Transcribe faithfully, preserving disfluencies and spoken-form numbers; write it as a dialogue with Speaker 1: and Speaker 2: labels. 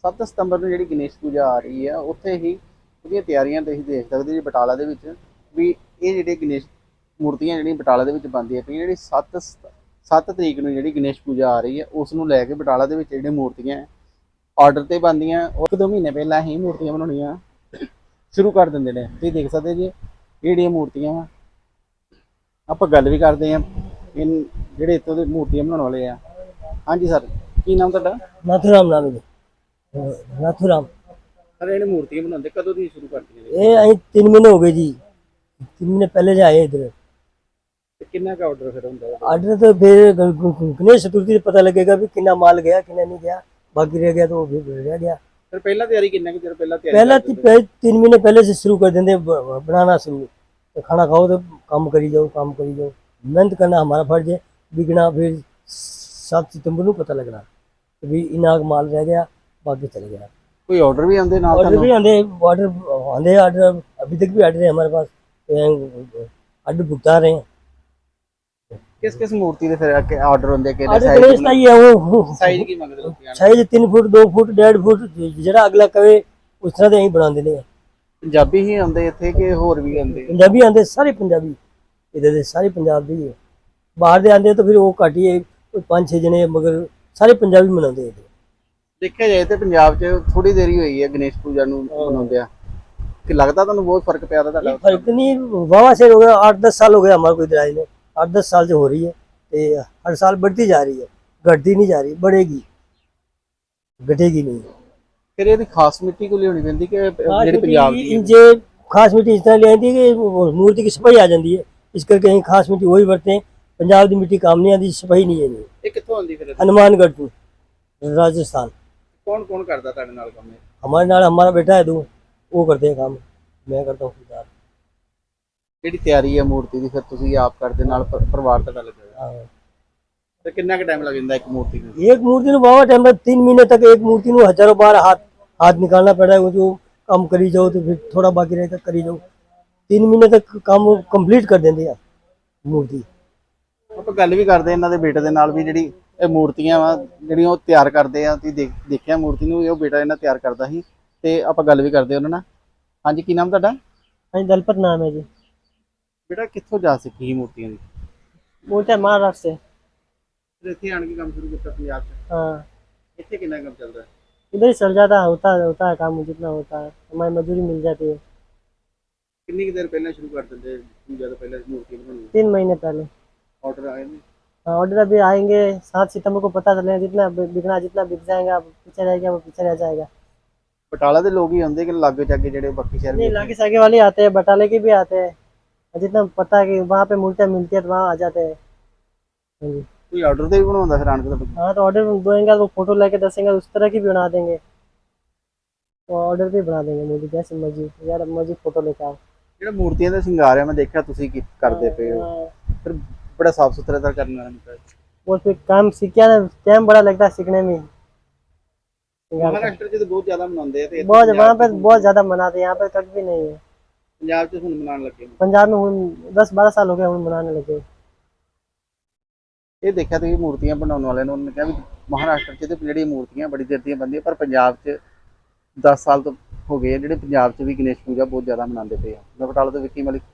Speaker 1: ਸੱਤ ਸਤੰਬਰ ਨੂੰ ਜਿਹੜੀ ਗਣੇਸ਼ ਪੂਜਾ ਆ ਰਹੀ ਹੈ, ਉੱਥੇ ਹੀ ਉਹਦੀਆਂ ਤਿਆਰੀਆਂ ਤੁਸੀਂ ਦੇਖ ਸਕਦੇ ਜੀ ਬਟਾਲਾ ਦੇ ਵਿੱਚ ਵੀ ਇਹ ਜਿਹੜੇ ਗਣੇਸ਼ ਮੂਰਤੀਆਂ ਜਿਹੜੀਆਂ ਬਟਾਲਾ ਦੇ ਵਿੱਚ ਬਣਦੀਆਂ ਪਈਆਂ, ਜਿਹੜੀ ਸੱਤ ਸੱਤ ਤਰੀਕ ਨੂੰ ਜਿਹੜੀ ਗਣੇਸ਼ ਪੂਜਾ ਆ ਰਹੀ ਹੈ ਉਸ ਨੂੰ ਲੈ ਕੇ ਬਟਾਲਾ ਦੇ ਵਿੱਚ ਜਿਹੜੀਆਂ ਮੂਰਤੀਆਂ ਆਰਡਰ ਤੇ ਬਣਦੀਆਂ, ਉਹ ਇੱਕ ਦੋ ਮਹੀਨੇ ਪਹਿਲਾਂ ਹੀ ਮੂਰਤੀਆਂ ਬਣਾਉਣੀਆਂ ਸ਼ੁਰੂ ਕਰ ਦਿੰਦੇ ਨੇ। ਤੁਸੀਂ ਦੇਖ ਸਕਦੇ ਜੀ ਇਹ ਜਿਹੜੀਆਂ ਮੂਰਤੀਆਂ ਵਾ, ਆਪਾਂ ਗੱਲ ਵੀ ਕਰਦੇ ਹਾਂ ਇਨ ਜਿਹੜੇ ਇੱਥੋਂ ਦੇ ਮੂਰਤੀਆਂ ਬਣਾਉਣ ਵਾਲੇ ਆ। ਹਾਂਜੀ ਸਰ, ਕੀ ਨਾਮ ਤੁਹਾਡਾ?
Speaker 2: नाथूराम नाम है जी। नाथूराम।
Speaker 1: ਸਰ ਇਹਨੇ ਮੂਰਤੀਆਂ ਬਣਾਉਂਦੇ ਕਦੋਂ ਦੀ ਸ਼ੁਰੂ ਕਰਤੀਆਂ ਨੇ?
Speaker 2: ये अं तीन महीने हो गए जी, तीन महीने पहले से आए इधर।
Speaker 1: ਤੇ ਕਿੰਨਾ का ਆਰਡਰ ਫਿਰ ਹੁੰਦਾ ਹੈ?
Speaker 2: ऑर्डर तो फिर गणेश चतुर्थी से पता लगेगा भी कितना माल गया कितना नहीं गया, बाकी रह गया तो वो फिर रह गया।
Speaker 1: ਫਿਰ ਪਹਿਲਾਂ ਤਿਆਰੀ ਕਿੰਨਾ ਕਿ ਚਿਰ ਪਹਿਲਾਂ ਤਿਆਰੀ
Speaker 2: पहला
Speaker 1: ਕਰਦੇ
Speaker 2: ती-
Speaker 1: ਹੁੰਦੇ?
Speaker 2: पह- तीन महीने पहले से शुरू कर देंगे ब- बनाना शुरू। तो खाना खाओ तो काम करी जाओ, काम करी जाओ, मेहनत करना हमारा फर्ज है। बिकना फिर सात सितंबर को पता लगना भी इना माल रह गया, बाकी चले गया।
Speaker 1: ਕੋਈ ਆਰਡਰ ਵੀ ਆਉਂਦੇ ਨਾਲ
Speaker 2: ऑर्डर भी
Speaker 1: ਤੁਹਾਨੂੰ?
Speaker 2: आंधे ऑर्डर आंधे ऑर्डर अभी तक भी ऑर्डर है हमारे पास, ऑर्डर भुगता रहे हैं।
Speaker 1: ਕਿਸ ਕਿਸ ਮੂਰਤੀ ਦੇ ਫਿਰ ਆਰਡਰ ਹੁੰਦੇ ਕਿਹੜੇ
Speaker 2: ऑर्डर गणेश का
Speaker 1: ਸਾਈਜ਼
Speaker 2: ही है वो
Speaker 1: ਸਾਈਜ਼ ਕੀ ਮੰਗਦੇ ਲੋਕੀ ਆਣ?
Speaker 2: साइज तीन फुट दो फुट डेढ़ फुट जरा अगला कवे उस तरह के बना देने।
Speaker 1: ਪੰਜਾਬੀ ਹੀ ਆਉਂਦੇ ਇੱਥੇ ਕਿ ਹੋਰ ਵੀ ਆਉਂਦੇ?
Speaker 2: पंजाबी आंधे सारे पंजाबी इधर दे सारे पंजाब दे ही है। बाहर दे आंधे तो फिर वो घट ही है, कोई पांच छह जने, मगर सारे पंजाबी मनाते हैं।
Speaker 1: ਦੇਖਿਆ ਜਾਏ ਤੇ ਪੰਜਾਬ 'ਚ ਥੋੜੀ ਦੇਰੀ ਹੋਈ ਹੈ ਗਣੇਸ਼ ਪੂਜਾ ਨੂੰ ਮਨਾਉਂਦੇ ਆ, ਕਿ ਲੱਗਦਾ ਤੁਹਾਨੂੰ बहुत फर्क ਪਿਆ ਤੁਹਾਡਾ?
Speaker 2: ये फर्क नहीं वावा से हो गया, आठ दस साल हो गया हमारे को इधर आए में, आठ दस साल से हो रही है। ते हर साल बढ़ती जा रही है, घटती नहीं जा रही, बढ़ेगी घटेगी नहीं।
Speaker 1: ਫਿਰ ਇਹਦੀ ਖਾਸ ਮਿੱਟੀ ਕੋ ਲਿਆਉਣੀ ਪੈਂਦੀ कि ਜਿਹੜੀ ਪੰਜਾਬ ਦੀ ਹੈ?
Speaker 2: जे खास मिट्टी इस तरह ले आती है कि वो मूर्ति की सफाई आ जाती है, इस करके कहीं खास मिट्टी वही बरते हैं। पंजाब की मिट्टी काम नहीं आती, सफाई नहीं है नहीं।
Speaker 1: ਇਹ ਕਿੱਥੋਂ ਆਉਂਦੀ ਫਿਰ?
Speaker 2: हनुमानगढ़ टू राजस्थान।
Speaker 1: ਕੌਣ ਕੌਣ ਕਰਦਾ ਤੁਹਾਡੇ ਨਾਲ ਕੰਮ ਇਹ?
Speaker 2: हमारे नाल हमारा बेटा है दो, वो करते हैं काम, मैं करता हूँ खुद।
Speaker 1: ਜਿਹੜੀ ਤਿਆਰੀ ਹੈ ਮੂਰਤੀ ਦੀ ਫਿਰ ਤੁਸੀਂ ਆਪ ਕਰਦੇ ਨਾਲ ਪਰ- ਪਰਿਵਾਰ ਤੁਹਾਡਾ ਲੱਗਾ ਹੋਇਆ?
Speaker 2: हाँ।
Speaker 1: ਤੇ ਕਿੰਨਾ ਕੁ ਟਾਈਮ ਲੱਗ ਜਾਂਦਾ ਇੱਕ ਮੂਰਤੀ ਨੂੰ?
Speaker 2: एक मूर्ति में बाबा टाइम है, तीन महीने तक एक मूर्ति में हजारों बार हाथ हाथ निकालना पड़ा है। वो जो काम करी जाओ तो फिर थोड़ा बाकी रहता करी जाओ, तीन महीने तक काम कंप्लीट कर देंगे यार मूर्ति।
Speaker 1: ਆਪਾਂ ਗੱਲ ਵੀ ਕਰਦੇ ਇਹਨਾਂ ਦੇ ਬੇਟੇ ਦੇ ਨਾਲ ਵੀ ਜਿਹੜੀ ਇਹ ਮੂਰਤੀਆਂ ਵਾ ਜਿਹੜੀਆਂ ਉਹ ਤਿਆਰ ਕਰਦੇ ਆ। ਤੁਸੀਂ ਦੇਖ- ਦੇਖਿਆ ਮੂਰਤੀ ਨੂੰ, ਇਹ ਉਹ ਬੇਟਾ ਇਹਨਾਂ ਤਿਆਰ ਕਰਦਾ ਸੀ ਤੇ ਆਪਾਂ ਗੱਲ ਵੀ ਕਰਦੇ ਉਹਨਾਂ ਨਾਲ। ਹਾਂਜੀ, ਕੀ ਨਾਮ ਤੁਹਾਡਾ?
Speaker 2: हाँ दलपत नाम है जी।
Speaker 1: ਬੇਟਾ ਕਿੱਥੋਂ ਜਾ ਸਿੱਖੀ ਸੀ ਮੂਰਤੀਆਂ ਦੀ?
Speaker 2: बोलते हैं महाराष्ट्र से।
Speaker 1: ਫਿਰ ਇੱਥੇ ਆਣ ਕੇ ਕੰਮ ਸ਼ੁਰੂ ਕੀਤਾ ਪੰਜਾਬ 'ਚ?
Speaker 2: हाँ,
Speaker 1: ਇੱਥੇ ਕਿੰਨਾ ਕੰਮ ਚੱਲਦਾ ਹੈ?
Speaker 2: इधर ही चल जाता है, होता होता है काम जितना होता है, हमारी मजदूरी मिल जाती है।
Speaker 1: ਕਿੰਨੀ ਕੁ ਦੇਰ ਪਹਿਲਾਂ ਸ਼ੁਰੂ ਕਰ ਦਿੰਦੇ ਪੂਜਾ ਤੋਂ ਪਹਿਲਾਂ ਮੂਰਤੀ ਬਣਾਉਣੀ?
Speaker 2: तीन महीने पहले।
Speaker 1: ਆਰਡਰ ਆਏ ਨੇ?
Speaker 2: हाँ, ऑर्डर अभी आएंगे सात सितंबर को पता चलेगा, जितना बिकना जितना बिक जाएगा पीछे रह गया वो पीछे रह जाएगा।
Speaker 1: ਬਟਾਲਾ ਦੇ ਲੋਕ ਹੀ ਆਉਂਦੇ ਕਿ ਲਾਗੇ ਚਾਗੇ ਜਿਹੜੇ ਬਾਕੀ ਸ਼ਹਿਰ
Speaker 2: नहीं,
Speaker 1: ਵਿੱਚ?
Speaker 2: लागे सागे वाले आते हैं, बटाले के भी आते हैं, और जितना पता है कि वहाँ पे मूर्तियाँ मिलती है तो वहाँ आ जाते हैं। हाँ जी।
Speaker 1: ਕੋਈ ਆਰਡਰ ਤੇ ਵੀ ਬਣਾਉਂਦਾ ਫਿਰ ਆਣ के ਤੁਹਾਡੇ?
Speaker 2: हाँ, तो ऑर्डर देंगे वो फोटो लेके दसेंगे उस तरह की भी बना देंगे, तो ऑर्डर भी बना देंगे मूर्ति जैसे मर्जी, यार मर्जी फोटो लेके आओ।
Speaker 1: ਜਿਹੜਾ ਮੂਰਤੀਆਂ ਦਾ ਸ਼ਿੰਗਾਰ ਹੈ ਮੈਂ ਦੇਖਿਆ ਤੁਸੀਂ ਕੀ ਕਰਦੇ ਪਏ ਹੋ,
Speaker 2: हाँ,
Speaker 1: ਫਿਰ ਬੜਾ ਸਾਫ ਸੁਥਰਾ ਤਾਂ ਕਰਨਾ ਹੈ।
Speaker 2: वो फिर काम सीख गया ना, टाइम बड़ा लगता है सीखने में। सिंगार का।
Speaker 1: ਮਹਾਰਾਸ਼ਟਰ 'ਚ ਤਾਂ ਬਹੁਤ ਜ਼ਿਆਦਾ ਮਨਾਉਂਦੇ ਆ ਤੇ ਇੱਥੇ
Speaker 2: बहुत
Speaker 1: ਪੰਜਾਬ
Speaker 2: वहाँ पे
Speaker 1: 'ਚ-
Speaker 2: बहुत ज्यादा मनाते हैं, यहाँ पे कभी भी नहीं है।
Speaker 1: ਪੰਜਾਬ 'ਚ ਹੁਣ ਮਨਾਉਣ ਲੱਗੇ ਨੇ।
Speaker 2: पंजाब में हुन दस बारह साल हो गए हुन मनाने लगे।
Speaker 1: ਇਹ ਦੇਖਿਆ ਤੁਸੀਂ ਮੂਰਤੀਆਂ ਬਣਾਉਣ ਵਾਲਿਆਂ ਨੂੰ, ਉਹਨਾਂ ਨੇ ਕਿਹਾ ਵੀ ਮਹਾਰਾਸ਼ਟਰ 'ਚ ਤੇ ਜਿਹੜੀਆਂ ਮੂਰਤੀਆਂ ਬੜੀ ਦੇਰ ਦੀਆਂ ਬਣਦੀਆਂ, ਪਰ ਪੰਜਾਬ 'ਚ ਦਸ ਸਾਲ ਤੋਂ ਹੋ ਗਏ ਆ ਜਿਹੜੇ ਪੰਜਾਬ 'ਚ ਵੀ ਗਣੇਸ਼ ਪੂਜਾ ਬਹੁਤ ਜ਼ਿਆਦਾ ਮਨਾਉਂਦੇ ਪਏ ਆ। ਮੈਂ ਬਟਾਲਾ ਤੋਂ ਵਿੱਕੀ ਮਲਿਕ।